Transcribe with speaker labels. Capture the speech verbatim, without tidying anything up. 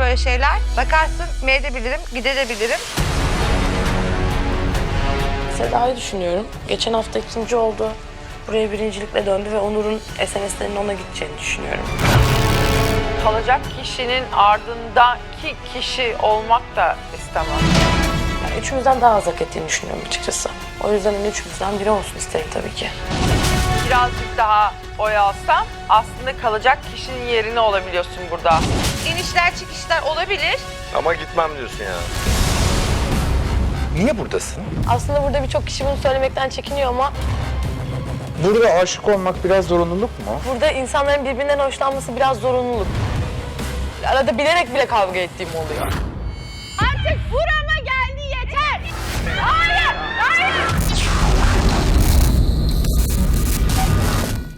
Speaker 1: böyle şeyler. Bakarsın medebilirim, gidebilirim.
Speaker 2: Seda'yı düşünüyorum. Geçen hafta ikinci oldu. Buraya birincilikle döndü ve Onur'un S M S'lerinin ona gideceğini düşünüyorum.
Speaker 3: Kalacak kişinin ardındaki kişi olmak da istemem.
Speaker 2: Yani üçümüzden daha az hak ettiğini düşünüyorum açıkçası. O yüzden hani üçümüzden biri olsun isterim tabii ki.
Speaker 3: Birazcık daha oy alsam aslında kalacak kişinin yerine olabiliyorsun burada.
Speaker 1: İnişler çıkışlar olabilir.
Speaker 4: Ama gitmem diyorsun ya.
Speaker 5: Niye buradasın?
Speaker 2: Aslında burada birçok kişi bunu söylemekten çekiniyor ama
Speaker 5: Burada aşık olmak biraz zorunluluk mu?
Speaker 2: burada insanların birbirinden hoşlanması biraz zorunluluk. Arada bilerek bile kavga ettiğim oluyor.
Speaker 1: Artık vur